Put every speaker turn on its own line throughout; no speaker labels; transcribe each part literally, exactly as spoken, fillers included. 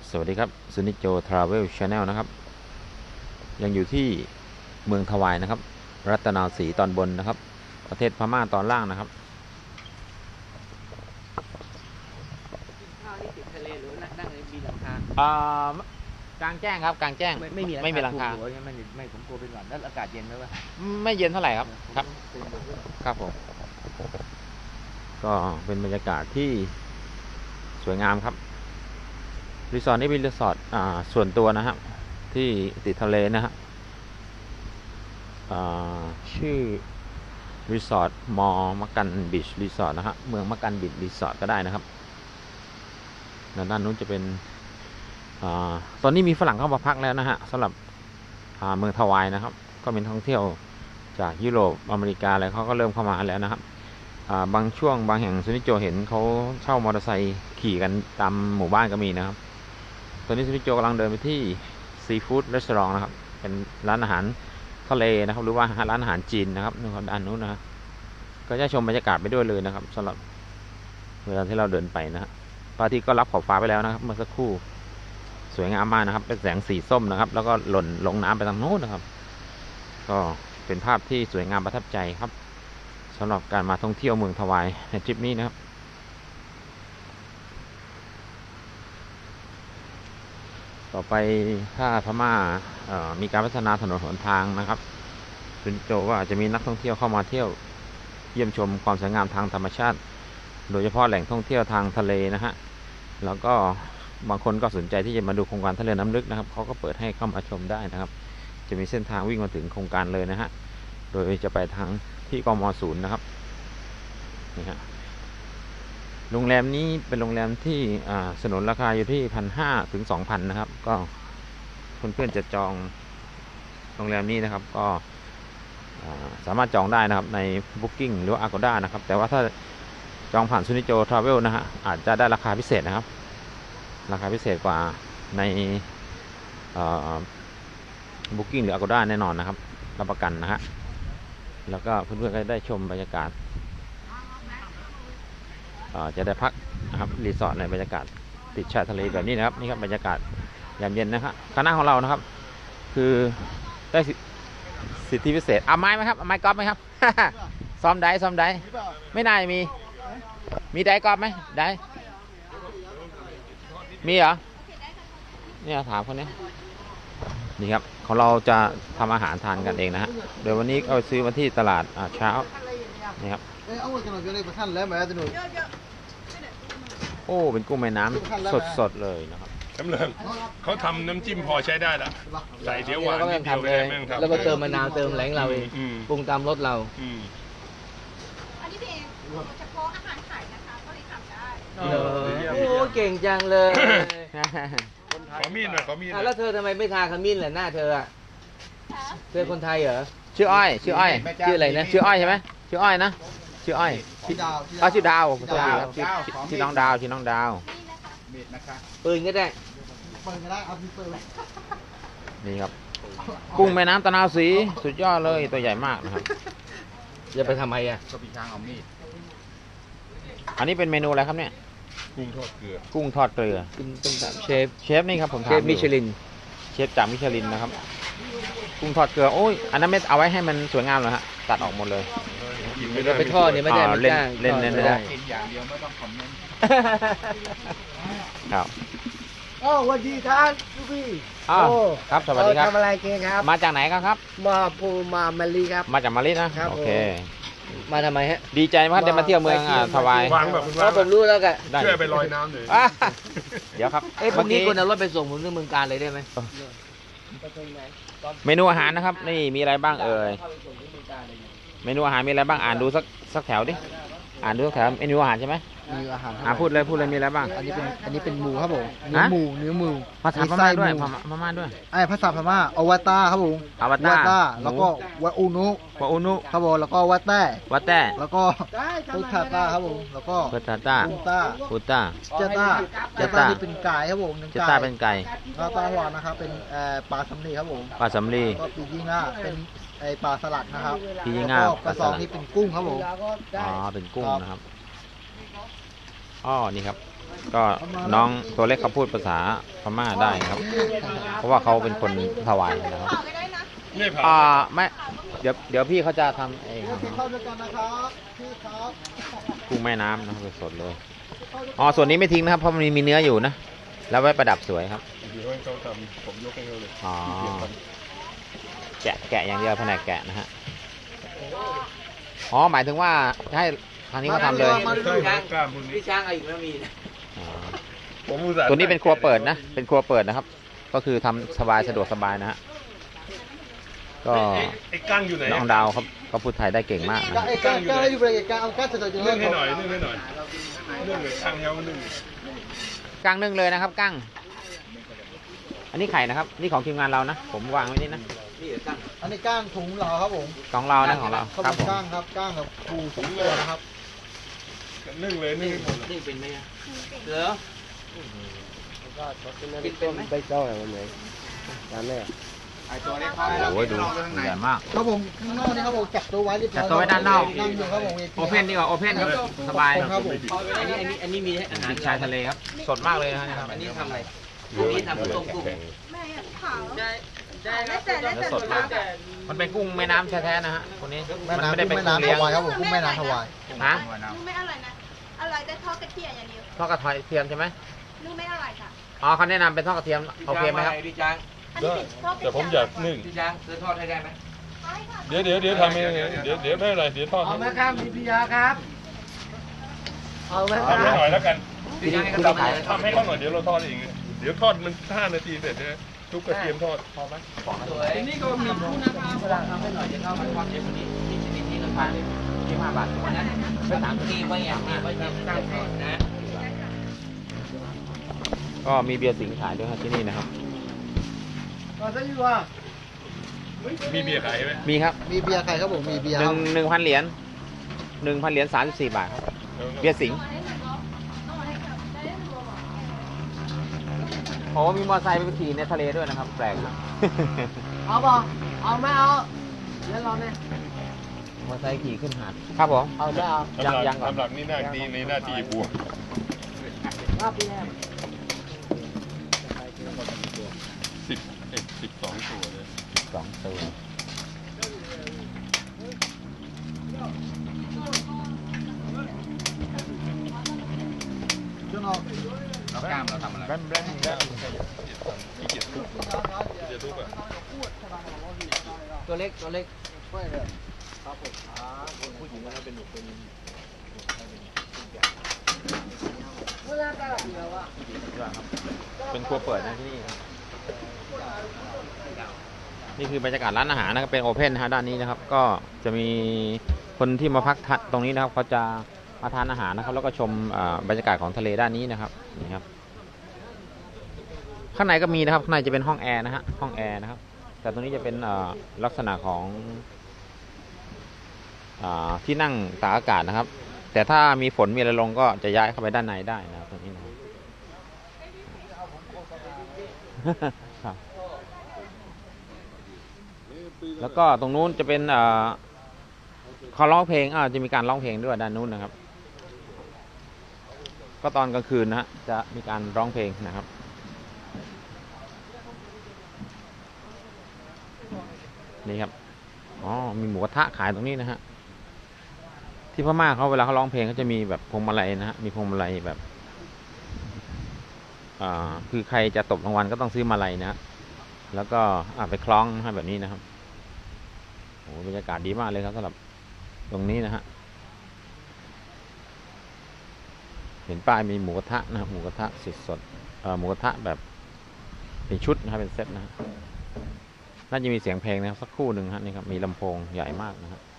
สวัสดีครับซูนิโจทราเวลชาแนลนะครับยังอยู่ที่เมืองทวายนะครับรัตนาวสีตอนบนนะครับประเทศพม่าตอนล่างนะครับ
ข้าวนี่ติดทะเลหรือนั่งในมีหลังคา
อ่ากลางแจ้งครับกลางแจ้ง
ไม่ไม่มี
ไม่มีหลังคา
ไม่ไม่ผมกลัวเป็นหวัดแล้วอากาศเย็นไหมวะ
ไม่เย็นเท่าไหร่ครับครับครับผมก็เป็นบรรยากาศที่สวยงามครับรีสอร์ทนี้เป็นรีสอร์ทส่วนตัวนะครับที่ติดทะเลนะฮะชื่อรีสอร์ทมอมักกันบีชรีสอร์ทนะฮะเมืองมักกันบีชรีสอร์ทก็ได้นะครับด้านนู้นจะเป็นอตอนนี้มีฝรั่งเข้ามาพักแล้วนะฮะสำหรับเมืองทวายนะครับก็เป็นท่องเที่ยวจากยุโรปอเมริกาอะไรเขาก็เริ่มเข้ามาแล้วนะครับบางช่วงบางแห่งซูนิโจเห็นเขาเช่ามอเตอร์ไซค์ขี่กันตามหมู่บ้านก็มีนะครับตอนนี้ซูนิโจกำลังเดินไปที่ซีฟู้ดรีสอร์ทนะครับเป็นร้านอาหารทะเลนะครับหรือว่าร้านอาหารจีนนะครับนู่นด้านนู้นนะก็จะชมบรรยากาศไปด้วยเลยนะครับสำหรับเวลาที่เราเดินไปนะฮะพระอาทิตย์ก็รับขอบฟ้าไปแล้วนะครับเมื่อสักครู่สวยงามมากนะครับเป็นแสงสีส้มนะครับแล้วก็หล่นลงน้ำไปทางโน้นนะครับก็เป็นภาพที่สวยงามประทับใจครับสำหรับการมาท่องเที่ยวเมืองทวายในทริปนี้นะครับต่อไปถ้าพม่ามีการพัฒนาถนนหนทางนะครับซูนิโจว่าจะมีนักท่องเที่ยวเข้ามาเที่ยวเยี่ยมชมความสวยงามทางธรรมชาติโดยเฉพาะแหล่งท่องเที่ยวทางทะเลนะฮะแล้วก็บางคนก็สนใจที่จะมาดูโครงการทะเลน้ำลึกนะครับเขาก็เปิดให้เข้ามาชมได้นะครับจะมีเส้นทางวิ่งมาถึงโครงการเลยนะฮะโดยจะไปทางที่กม.ศูนย์นะครับนี่ฮะโรงแรมนี้เป็นโรงแรมที่สนนราคาอยู่ที่พันห้าถึงสองพันนะครับก็เพื่อนๆจะจองโรงแรมนี้นะครับก็สามารถจองได้นะครับใน Booking หรือว่า Agoda นะครับแต่ว่าถ้าจองผ่านซูนิโจทราเวลนะฮะอาจจะได้ราคาพิเศษนะครับราคาพิเศษกว่าใน Booking หรือ Agoda แน่นอนนะครับรับประกันนะฮะแล้วก็เพื่อนๆก็ได้ชมบรรยากาศจะได้พักนะครับรีสอร์ทในบรรยากาศติดชายทะเลแบบนี้นะครับนี่ครับบรรยากาศยามเย็นนะครับคณะของเรานะครับคือได้สิทธิพิเศษเอาไม้ไหมครับเอาไม้กอล์ฟไหมครับ ซ้อมได้ซ้อมได้ไม่น่ามีมีได้กอล์ฟไหมได้มีเหรอเนี่ยถามคนนี้นี่ครับของเราจะทำอาหารทานกันเองนะฮะเดี๋ยววันนี้เอาซื้อมาที่ตลาดเช้านี่ครับโอ้เป็นกุ้งแม่น้ำสดๆเลยนะครับ
จำเริญเขาทำน้ำจิ้มพอใช้ได้ละใส่เดี๋ยวหวานนิดเดียวเลย
แล้วก็เติมมะนาวเติมแหลงเราเองปรุงตามรสเรา
อันนี้เป็นเฉพาะอาหารไข่นะคะก็เลยทำได้
โอ้เก่งจังเลย
ขอมีดหน่อยขอมีด
แล้วเธอทำไมไม่ทาขมิ้นล่ะหน้าเธออ่ะเธอคนไทยเหรอ
ชื่ออ้อยชื่ออ้อย
ชื่ออะไรนะ
ชื่ออ้อยใช่ไหมชื่ออ้อยนะชื่ออ้อยชื่อดาวชื่อดาวชื่อน้องดาวชื่อน้องดาว
ปืนก็ได้
ปืนก็ได้เอาปืน
นี่ครับกุ้งแม่น้ำตะนาวสีสุดยอดเลยตัวใหญ่มากนะครับ
จะไปทำไมอ่ะ
ก็ปีช้างเอามีดอันนี้เป็นเมนูอะไรครับเนี่ย
กุ้งทอดเกลือ
กุ้งทอดเกลือ
เป็นแบบเชฟ
เชฟนี่ครับผม
เชฟมิชลิน
เชฟจากมิชลินนะครับกุ้งทอดเกลือโอ้ยอันนั้นไม่เอาไว้ให้มันสวยงามเลยฮะตัดออกหมดเลย
ไม่ได้ไปทอดเนี่ยไม่ได้
เล่นเล่นเล่นไม่ได้
อย่างเดียวไม่ต้องคอมเมนต์
ครับ
โอ้วันดีท่านทุกพี่
อ้าวครับสวัสดีครับ
ทำอะไรเก่งครับ
มาจากไหนครับครับ
มาภูมามาลีครับ
มาจากมาลีนะโอเค
มาทำไมฮะ
ดีใจมากได้มาเที่ยวเมืองทวายว
างแบบ
ว่าผมรู้แล้วกัน
เชื่อไปลอยน้ำเลย
เดี๋ยวครับ
เอ้ยพรุ่งนี้คนเอารถไปส่งผมที่เมืองการเลยได้ไหม
เมนูอาหารนะครับนี่มีอะไรบ้างเอ่ยเมนูอาหารมีอะไรบ้างอ่านดูสักสักแถวดิอ่านดูสักแถวเมนูอาหารใช่ไหม
มีอาหาร
อ่าพูดเลยพูดเลยมีอะไรบ้าง
อันนี้เป็นอันนี้เป็นหมูครับผมเนื้อหมูเนื้อหมู
ภาษาพม่าด้วยพม่าด้วย
ไอ้ภาษาพม่าอวตารครับผม
อวตาร
แล้วก็วะอุนุ
วะอุนุ
ครับผมแล้วก็วัดแต้
วัดแต้
แล้วก็พุทธาตาครับผมแล้วก็
พุทธาตา
พุทธา
พุทธา
เจต้าเจต้าที่เป็นไก่ครับผม
เจต้าเป็นไก่
ปลาตาหวานนะครับเป็นปลาสำลีครับผม
ปลาสำลี
ก็ปียิ่งอ่ะเป็นไอปลาสลัดนะครับ
ปียิ่งอ่ะ
ปลาซองนี่เป็นกุ้งครับผม
อ๋อเป็นกุ้งนะครับอ๋อนี่ครับก็น้องตัวเล็กเขาพูดภาษาพม่าได้ครับ เพราะว่าเขาเป็นคนถวายนะครับ
เผาก็ได้นะ
ไม่เผา
อ่าไม่เดี๋ยวเดี๋ยวพี่เขาจะทำเองครับ
เข้าด้วยกันนะครับพี่ครับ
กุ้งแม่น้ำนะครับสดๆเลยอ๋อส่วนนี้ไม่ทิ้งนะครับเพราะมันมีเนื้ออยู่นะแล้วไว้ประดับสวยครับ
เดี๋ยวให้เขาทำผมยกให้เขาเลย
อ๋อแกะแกะอย่างเดียวแผนกแกะนะฮะอ๋อหมายถึงว่าให้ทางนี้เขาทำเลย
ใช่ครับกล้ามพวกนี้
พี่ช้างเอาอีกแล้วมีนะ
อ๋อ
ผมอุตส่าห์
ตัวนี้เป็นครัวเปิดนะเป็นครัวเปิดนะครับ ก็คือทำสบายสะดวกสบายนะฮะก็
ไอ้ไอ้กั้งอยู่ไหน
น้องดาวครับก็พูดไทยได้เก่งมากนะ
ก้าเอกก้าก้าอยู่บริเวณก้าเอาก้าจะจะ
นึ่งให้หน่อยนึ่งให้หน่อยนึ่งเลยกั้งเฮานึ่ง
กั้งนึ่งเลยนะครับกั้งอันนี้ไข่นะครับ นี่ของทีมงานเรานะผมวางไว้นี่นะ
นี่เหรอตั้ง
อันนี้ก้างถุงเหลาครับผม
ของเรานะของเรา
เขา
ครับ
เป็น
ผม
ก้างครับก้างกับปูถุงตัวนะครับ
นึ่งเลยนึ่งให้หมดเลย
นี่เป็นไหมอะเหรอกินเป็นไหม
โอ้ยดูใหญ่มาก
ครับผมข้างนอกนี่ครับผมจับตัวไว้เรียบร้อย
จับตัวไว้ด้านนอก
นั่งอยู่ครับผม
โอเพนดีกว่าโอเพนครับสบาย
ครับผม
อันนี้อันนี้อันนี้มีให้อาหาร
ชายทะเลครับสดมากเลยนะครับ
อันนี้ทำอะไรอันนี้ทำต้มกุ้ง
แม่อะเผา
ได้ได้
แล้วแต่แล้วแต่
สดมาก มันเป็นกุ้งแม่น้ำแท้ๆนะฮะคนนี้
แม่
มัน
น้ำ
ไม่ได้
กุ้
เป็น
งแม่
กุ้งเลี้ยง
น้ำถวายครับผมกุ้งแม่น้ำถวาย
ฮะ
ลูกไม่อร่อยนะอร่อยแต่ทอดกระเทียมอย่างเดียว
ทอดกระเทียมใช่ไหม
ลูกไม่อร่อยค่ะ
อ๋อเขาแนะนำเป็นทอดกระเทียมโอเคไหมครับ
พี่ช้าง
อันนี้
ได้
ติดทอดกระเทีย
แต่ผมอยากนึ่ง
พี่ช้างซื้อทอดให้ได้ไหม
ได้ค่ะ
เดี๋ยวเดี๋ยวเดี๋ยวทำเองเดี๋ยวเดี๋ยวไม่เป็นไรเดี๋ยวทอด
เอาไหมครับมีพิยาครับเอาไหมค
ทำให้
รับ
หน่อยแล้วกัน
พี่ช้างให้เขาทำอะไร
ทำให้เขาหน่อยเดี๋ยวเราทอดเองเดี๋ยวทอดมันห้านาทีเสร็จนะทุกกระเทียมทอดพอไหม
สวยนี่ก็มีคู่นะครับเวลาทำให้หน่อยจะเข้ามาทอดเยอะกว่านี้ที่ชนิดนี้ราคาที่ห้าบาทวันนั้นไปถามทีไว้อย่างนี้ไว้ยังตั้งก่อนนะ
ก็มีเบียร์สิงห์ขายด้วยครับที่นี่นะครับ
ก็จะอยู่ว่า
มีเบียร์ขายไหม
มีครับ
มีเบียร์ใครครับผมมีเบียร์
หนึ่งหนึ่งพันเหรียญหนึ่งพันเหรียญสามสิบสี่บาทครับเบียร์สิงห์โอ้มีมอเตอร์ไซค์ไปขี่ในทะเลด้วยนะครับ แปลกนะ
เอาป่ะเอาไม่เอาแล้วเราเนี่ย
มอเตอร์ไซค์ขี่ขึ้นหาดครับผม
เอาไม่เอา
ยังยังก่อน
ทำหลักนี่หน้าที่ในหน้าที่บวก
รอบที่แล้ว
สิบเอ็ดสิบสองตัวเลย
สองตัว
จนออก
เรากล้ามเราทำอะไร
แบมแบมแบมขี้เกียจทุบขี้เกียจทุบอ่ะ
ตัวเล็กตัวเล็ก
เป็นครัวเปิดนะที่นี่ครับนี่คือบรรยากาศร้านอาหารนะครับเป็นโอเพนนะฮะด้านนี้นะครับ ก็จะมีคนที่มาพักตรงนี้นะครับเขาจะมาทานอาหารนะครับ แล้วก็ชมอ่าบรรยากาศของทะเลด้านนี้นะครับนี่ครับ ข้างในก็มีนะครับข้างในจะเป็นห้องแอร์นะฮะห้องแอร์นะครับ แต่ตรงนี้จะเป็นอ่าลักษณะของอ่าที่นั่งตากอากาศนะครับ แต่ถ้ามีฝนมีอะไรลงก็จะย้ายเข้าไปด้านในได้นะครับตรงนี้นะครับ ครับ แล้วก็ตรงนู้นจะเป็นอ่าเขาร้องเพลงอ่าจะมีการร้องเพลงด้วยด้านนู้นนะครับ ก็ตอนกลางคืนนะฮะจะมีการร้องเพลงนะครับ นี่ครับ อ๋อ มีหมูกระทะขายตรงนี้นะฮะ ที่พม่าเขาเวลาเขาร้องเพลงเขาจะมีแบบพวงมาลัยนะฮะ มีพวงมาลัยแบบ อ่า คือใครจะตบรางวัลก็ต้องซื้อมาลัยนะฮะ แล้วก็อ่าไปคล้องนะฮะแบบนี้นะครับ โอ้บรรยากาศดีมากเลยครับสำหรับตรงนี้นะฮะ เห็นป้ายมีหมูกระทะนะครับหมูกระทะสดสดเอ่อหมูกระทะแบบเป็นชุดนะครับเป็นเซตนะฮะน่าจะมีเสียงเพลงนะครับสักครู่หนึ่งฮะนี่ครับมีลำโพงใหญ่มากนะฮะ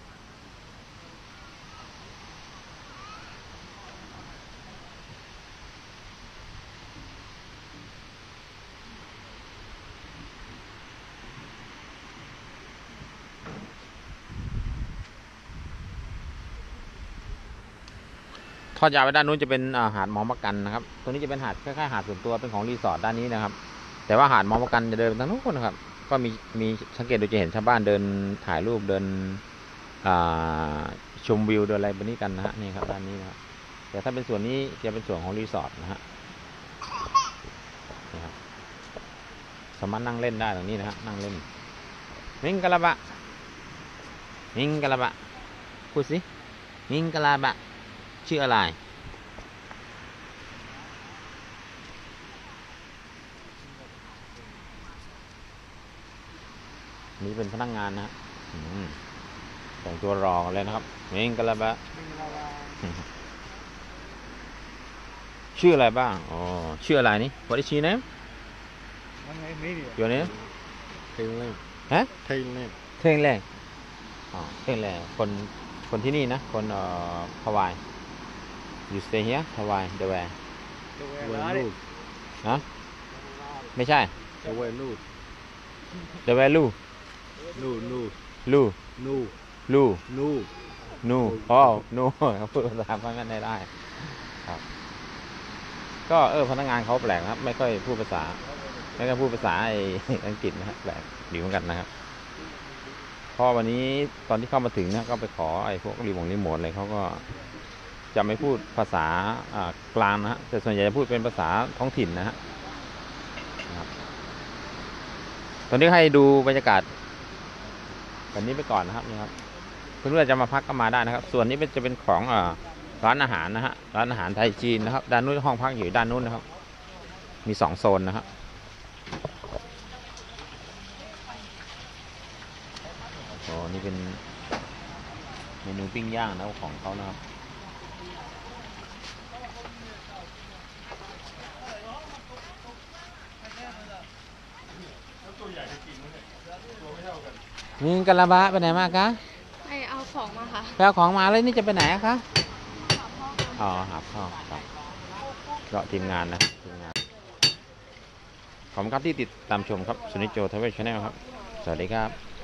ทอดยาวไปด้านนู้นจะเป็นหาดมอมะกันนะครับตรงนี้จะเป็นหาดคล้ายๆหาดส่วนตัวเป็นของรีสอร์ทด้านนี้นะครับแต่ว่าหาดมอมะกันจะเดินไปทางนู้นนะครับก็มีมีสังเกตดูจะเห็นชาวบ้านเดินถ่ายรูปเดินชมวิวเดินอะไรแบบนี้กันนะฮะนี่ครับด้านนี้นะครับแต่แต่ถ้าเป็นส่วนนี้จะเป็นส่วนของรีสอร์ทนะฮะนี่ครับสามารถนั่งเล่นได้ตรงนี้นะฮะนั่งเล่นมิงกะลาบะมิงกะลาบะพูดสิมิงกะลาบะชื่ออะไรนี่เป็นพนักงานนะฮะอืมแต่งตัวรอกันเลยนะครับมิงกะลาบะ ชื่ออะไรบ้างอ๋อชื่ออะไรนี่ What is your name Your name
เทงเล่น
ฮะ
เทงเล่น
เท่งแรงอ๋อเท่งแรงคนคนที่นี่นะคนเอ่อฮาวาย You stay here Hawaii the where
เวยลูก
ฮะไม่ใช่
เวยลูก
the where ลู
นูนู
ลู
นู
ลู
นู
นูอ๋อนูเขาพูดภาษาพม่าไม่ได้ครับก็เออพนักงานเขาแปลกนะครับไม่ค่อยพูดภาษาไม่ค่อยพูดภาษาไอ้อังกฤษนะครับแปลกดีเหมือนกันนะครับพอวันนี้ตอนที่เข้ามาถึงนะก็ไปขอไอ้พวกรีโมทรีโมทอะไรเขาก็จะไม่พูดภาษาอ่ากลางนะฮะแต่ส่วนใหญ่จะพูดเป็นภาษาท้องถิ่นนะฮะครับตอนนี้ให้ดูบรรยากาศแบบนี้ไปก่อนนะครับนี่ครับเพื่อนๆจะมาพักก็มาได้นะครับ ส่วนนี้เป็นจะเป็นของอ่าร้านอาหารนะฮะร้านอาหารไทยจีนนะครับด้านนู้นห้องพักอยู่ด้านนู้นนะครับมีสองโซนนะครับโอ้นี่เป็นเมนูปิ้งย่างนะของเขานะครับมิงกะลาบะไปไหนมาคะ
ไปเอาของมาค่ะ
ไปเอาของมาแล้วนี่จะไปไหนอะคะอ๋อหาพ่อครับก็ทีมงานนะทีมงานขอบคุณครับที่ติดตามชมครับสุนิจโจทเวชแนลครับสวัสดีครับ